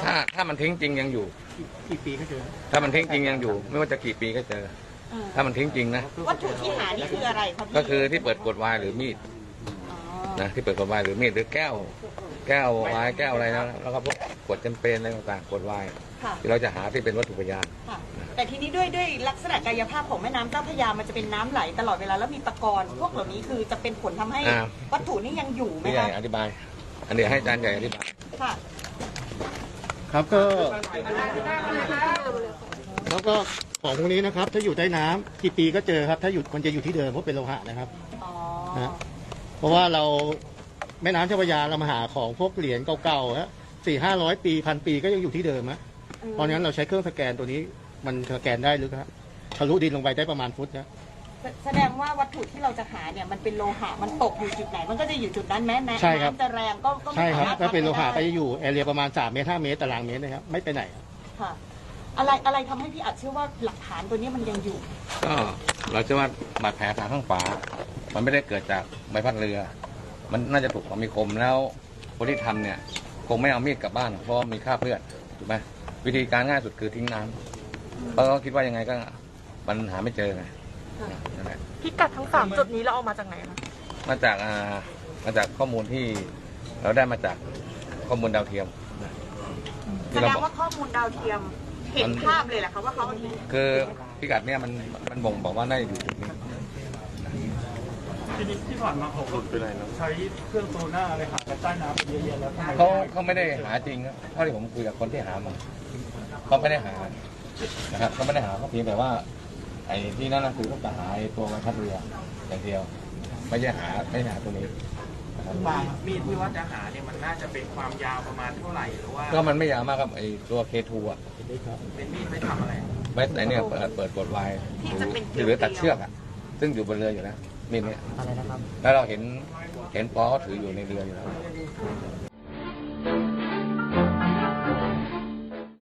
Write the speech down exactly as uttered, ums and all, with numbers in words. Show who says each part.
Speaker 1: ถ้าถ้ามันทิ้งจริงยังอยู่
Speaker 2: กี่ปีก็เจอ
Speaker 1: ถ้ามันทิ้งจริงยังอยู่ ไม่ว่าจะกี่ปีก็เจอถ้ามันทิ้งจริงนะ
Speaker 3: วัตถุที่หานี่คืออะไรครับ
Speaker 1: ก็คือที่เปิดขวดไวน์หรือมีดนะที่เปิดขวดไวน์หรือมีดหรือแก้วแก้วไวน์แก้วอะไรนะแล้วก็พวกขวดแชมเปญอะไรต่างๆขวดไวน์ที่เราจะหาที่เป็นวัตถุพยาน
Speaker 3: แต่ทีนี้ด้วยด้วยลักษณะกายภาพของแม่น้ำเจ้าพระยามันจะเป็นน้ำไหลตลอดเวลาแล้วมีตะกอนพวกเหล่านี้คือจะเป็นผลทำให้วัตถุนี้ยังอยู่ไหม
Speaker 1: พี่ใหญ่อธิบายอันนี้ให้อาจารย์ใหญ่อธิบาย
Speaker 3: ค่ะ
Speaker 2: ครับก็แล้วก็ของพวกนี้นะครับถ้าอยู่ใต้น้ำกี่ปีก็เจอครับถ้าอยู่มันจะอยู่ที่เดิมเพราะเป็นโลหะนะครับนะเพราะว่าเราแม่น้ำเจ้าพระยาเรามาหาของพวกเหรียญเก่าๆฮะสี่ห้าร้อยปีพันปีก็ยังอยู่ที่เดิมฮะเพราะงั้นเราใช้เครื่องสแกนตัวนี้มันสแกนได้ลึกครับทะลุดินลงไปได้ประมาณฟุตนะ
Speaker 3: แสดงว่าวัตถุที่เราจะหาเนี่ยมันเป็นโลหะมันตกอยู่จุดไหนมันก็จะอยู่จุดนั้นแม้แม้น้ำจะแรงก็ก็ไม่
Speaker 2: ใช่ครับถ้าเป็นโลหะก็จะอยู่แอเรียประมาณสามเมตรห้าเมตรตารางเมตรนะครับไม่ไปไหน
Speaker 3: ค่ะอะไรอะไรทำให้พี่อัดเชื่อว่าหลักฐานตัวนี้มันยังอยู่
Speaker 1: ก็เราเชื่อว่าบาดแผลทางข้างขวามันไม่ได้เกิดจากใบพัดเรือมันน่าจะถูกของมีคมแล้วคนที่ทำเนี่ยคงไม่เอามีดกลับบ้านเพราะมีคราบเลือดถูกไหมวิธีการง่ายสุดคือทิ้งน้ำเพราะเขาคิดว่ายังไงก็มันหาไม่เจอไง
Speaker 4: พิกัดทั้งสามจุดนี้เราเอามาจากไหนคะ
Speaker 1: มาจากอ่ามาจากข้อมูลที่เราได้มาจากข้อมูลดาวเทียม
Speaker 3: แสดงว่าข้อมูลดาวเทียมเห็นภาพเลยแหละครับว่าเขา
Speaker 1: คือพิกัดเนี่ยมันมันบ่งบอกว่าได้อยู่จุดนี้
Speaker 2: ทีนี้ที่ผ่านมาเขาใช้เครื่องโซน่าอะไรหาใต้น้ำเยอะๆแล้ว
Speaker 1: เขาเขาไม่ได้หาจริงเท่าที่ผมคุยกับคนที่หามาเขาไม่ได้หานะครับเขาไม่ได้หาเขาเพียงแต่ว่าไอ้ที่นั่นคือเขาจะหาตัวใบพัดเรืออย่างเดียวไม่ใช่หาไม่หาตัวนี้
Speaker 5: มีดที่ว่าจะหาเนี่ยมันน่าจะเป็นความยาวประมาณเท่าไหร่หรือว่า
Speaker 1: ก็มันไม่ยาวมากครับไอ้ตัวเคทูอ่ะ
Speaker 5: เป็นมีดไม่ทำอะไร
Speaker 1: ไม่ไอ้เนี่ยเปิดเปิดกดไวหรือตัดเชือกอ่ะซึ่งอยู่บนเรืออยู่นะมีดเนี่ยแล้วเราเห็นเห็นปอเขาถืออยู่ในเรืออยู่แล้ว